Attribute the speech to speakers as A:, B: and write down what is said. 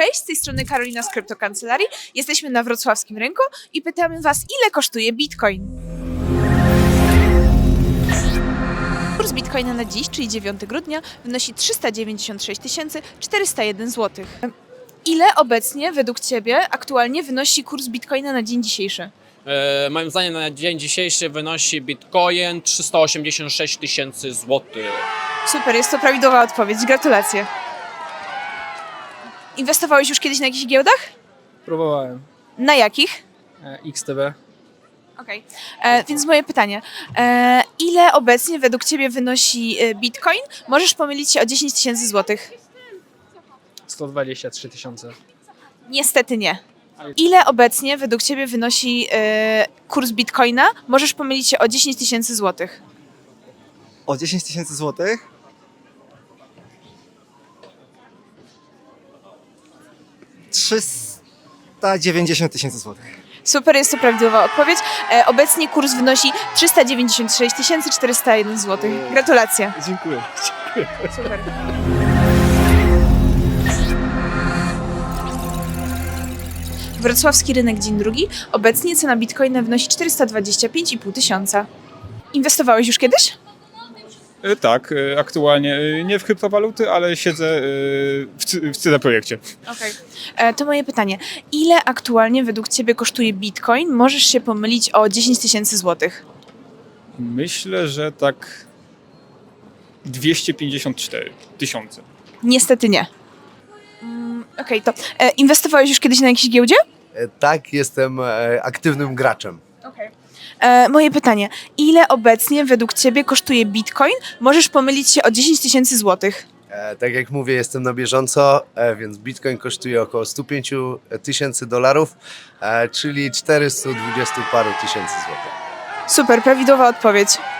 A: Cześć, z tej strony Karolina z Kryptokancelarii. Jesteśmy na wrocławskim rynku i pytamy Was, ile kosztuje Bitcoin? Kurs Bitcoina na dziś, czyli 9 grudnia, wynosi 396 401 zł. Ile obecnie według Ciebie aktualnie wynosi kurs Bitcoina na dzień dzisiejszy?
B: Moim zdaniem na dzień dzisiejszy wynosi Bitcoin 386 000 złotych.
A: Super, jest to prawidłowa odpowiedź. Gratulacje. Inwestowałeś już kiedyś na jakichś giełdach?
C: Próbowałem.
A: Na jakich?
C: XTB.
A: Okej, więc moje pytanie. Ile obecnie według Ciebie wynosi Bitcoin? Możesz pomylić się o 10 000 złotych.
C: 123 000.
A: Niestety nie. Ile obecnie według Ciebie wynosi kurs Bitcoina? Możesz pomylić się o 10 000 złotych.
D: O 10 000 złotych? $390 000 złotych.
A: Super, jest to prawidłowa odpowiedź. Obecnie kurs wynosi 396 401 zł. Gratulacje.
D: Dziękuję.
A: Super. Wrocławski rynek dzień drugi. Obecnie cena Bitcoina wynosi 425,5 tysiąca. Inwestowałeś już kiedyś?
E: Tak, aktualnie nie w kryptowaluty, ale siedzę w CD Projekcie.
A: Okej. To moje pytanie. Ile aktualnie według Ciebie kosztuje Bitcoin? Możesz się pomylić o 10 000 złotych.
E: Myślę, że tak 254 000.
A: Niestety nie. Okej, to inwestowałeś już kiedyś na jakiejś giełdzie?
F: Tak, jestem aktywnym graczem.
A: Okej. Moje pytanie. Ile obecnie według Ciebie kosztuje Bitcoin? Możesz pomylić się o 10 000 złotych.
F: Tak jak mówię, jestem na bieżąco, więc Bitcoin kosztuje około 105 000 $, czyli 420 paru tysięcy złotych.
A: Super, prawidłowa odpowiedź.